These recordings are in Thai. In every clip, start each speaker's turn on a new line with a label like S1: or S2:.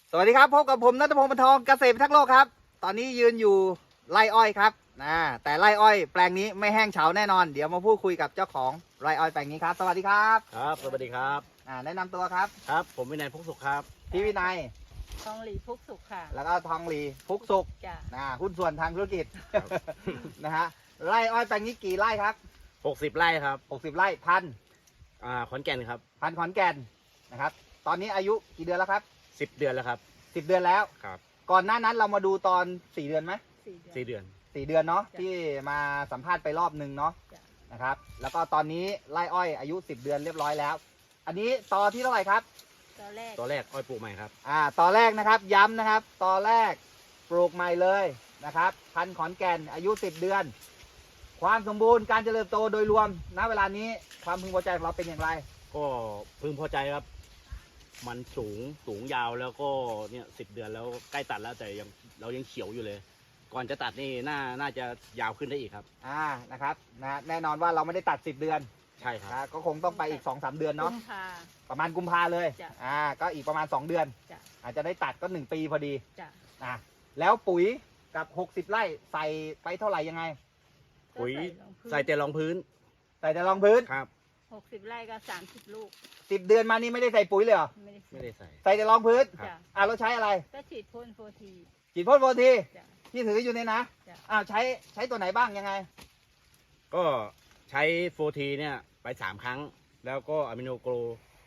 S1: สวัสดีครับพบกับผมณัฐพงศ์ ปานทองเกษตรพิทักษ์โลกครับตอนนี้ยืนอยู่ไร่อ้อยครับแต่ไร่อ้อยแปลงนี้ไม่แห้งเฉาแน่นอนเดี๋ยวมาพูดคุยกับเจ้าของไร่อ้อยแปลงนี้ครับสวัสดีครับ
S2: ครับสวัสดีครับ
S1: แนะนำตัวครับ
S2: ครับผมวินัยพุกสุขครับ
S1: พี่วินัย
S3: ทองหลีพุกสุขค่ะ
S1: แล้วก็ทองหลีพุกสุข
S3: จ้ะ
S1: หุ้นส่วนทางธุรกิจ นะฮะไร่อ้อยแปลงนี้กี่ไร่ครับ
S2: 60 ไร่ครับ
S1: 60 ไร่พัน
S2: ขอนแก่นครับ
S1: พันขอนแก่นนะครับตอนนี้อายุกี่เดือนแล้วครับ
S2: 10 เดือนแล้วครับ
S1: 10 เดือนแล้ว
S2: ครับ
S1: ก่อนหน้านั้นเรามาดูตอน4 เดือนไหม
S2: 4 เดือน
S1: 4 เดือนเนาะที่มาสัมภาษณ์ไปรอบหนึ่งเนาะนะครับแล้วก็ตอนนี้ไร่อ้อยอายุ10 เดือนเรียบร้อยแล้วอันนี้ตอที่เท่าไหร่ครับ
S2: ตอแรกอ้อยปลูกใหม่ครับ
S1: ตอแรกนะครับย้ำนะครับตอแรกปลูกใหม่เลยนะครับพันธุ์ขอนแก่นอายุ10 เดือนความสมบูรณ์การเจริญโตโดยรวมณเวลานี้ความพึงพอใจของเราเป็นอย่างไร
S2: ก็พึงพอใจครับมันสูงยาวแล้วก็เนี่ย10 เดือนแล้วใกล้ตัดแล้วแต่เรายังเขียวอยู่เลยก่อนจะตัดนี่น่าจะยาวขึ้นได้อีกครับ
S1: นะครับแน่นอนว่าเราไม่ได้ตัด10 เดือน
S2: ใช่ครับ
S1: ก็คงต้องไปอีก 2-3 เดือนเนาะประมาณกุมภาเลยก็อีกประมาณ2 เดือนอาจจะได้ตัดก็1 ปีพอดีแล้วปุ๋ยกับ60 ไร่ใส่ไปเท่าไหร่ยังไง
S2: ปุ๋ยใส่แต่รองพื้น
S1: ใส่แต่รองพื้น
S2: ครับ
S3: 60 ไร่ก็30 ลูก
S1: 10 เดือนมานี่ไม่ได้ใส่ปุ๋ยเลยเหรอ
S2: ไม่ได้ใส่
S1: ใส่แต่รองพื้นเราใช้อะไร
S3: ก็ฉีดพ่นโฟที
S1: ที่ถืออยู่เนี่ยนะใช้ตัวไหนบ้างยังไง
S2: ก็ใช้โฟทีเนี่ยไป3 ครั้งแล้วก็อะมิโนโกร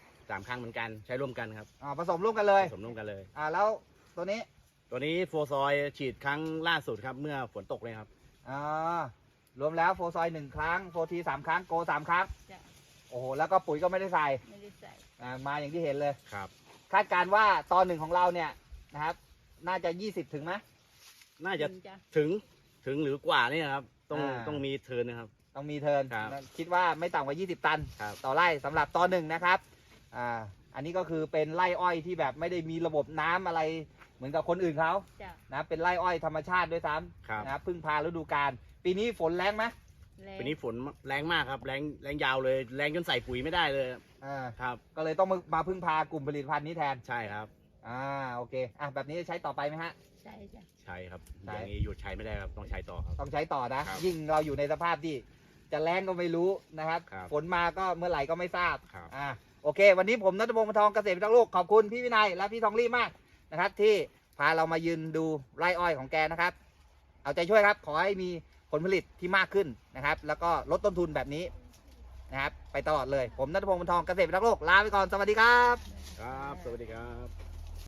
S2: 3 ครั้งเหมือนกันใช้ร่วมกันครับ
S1: ผสมร่วมกันเลยแล้วตัวนี้
S2: โฟซอยฉีดครั้งล่าสุดครับเมื่อฝนตกเลยครับ
S1: รวมแล้วโฟซอย1 ครั้งโฟที3 ครั้งโก3 ครั้งโอ้โหแล้วก็ปุ๋ยก็ไม่ได้ใส่มาอย่างที่เห็นเลย
S2: ครับ
S1: คาดการว่าตอน1ของเราเนี่ยนะครับน่าจะ20ถึงไหม
S2: น่าจะถึงหรือกว่านี่ครับต้องมีเทิร์นนะครับ
S1: ต้องมีเทิร์นคิดว่าไม่ต่ำกว่า20 ตันต่อไร่สำหรับตอน1นะครับอันนี้ก็คือเป็นไร่อ้อยที่แบบไม่ได้มีระบบน้ำอะไรเหมือนกับคนอื่นเขานะเป็นไร่อ้อยธรรมชาติด้วยซ้ำนะครับพึ่งพาฤดูกาลปีนี้ฝนแรงไหม
S2: ปีนี้ฝนแรงมากครับแรงยาวเลยแรงจนใส่ปุ๋ยไม่ได้เลยครับ
S1: ก็เลยต้องมาพึ่งพากลุ่มผลิตภัณฑ์นี้แทน
S2: ใช่ครับ
S1: โอเคแบบนี้จะใช้ต่อไปไหมฮะ
S3: ใช่จ้ะ
S2: ใช่ครับอย่างนี้หยุดใช้ไม่ได้ครับต้องใช้ต่อครับ
S1: ต้องใช้ต่อนะยิ่งเราอยู่ในสภาพที่จะแรงก็ไม่รู้นะครับฝนมาก็เมื่อไหร่ก็ไม่ทราบโอเควันนี้ผมณัฐพงศ์ ปานทองเกษตรพิทักษ์โลกขอบคุณพี่วินัยและพี่ทองรี่มากนะครับที่พาเรามายืนดูไร่อ้อยของแกนะครับเอาใจช่วยครับขอให้มีผลผลิตที่มากขึ้นนะครับแล้วก็ลดต้นทุนแบบนี้นะครับไปตลอดเลยผมณัฐพงศ์ ปานทองเกษตรพิทักษ์โลกลาไปก่อนสวัสดีครับ
S2: ครับสวัสดีครับ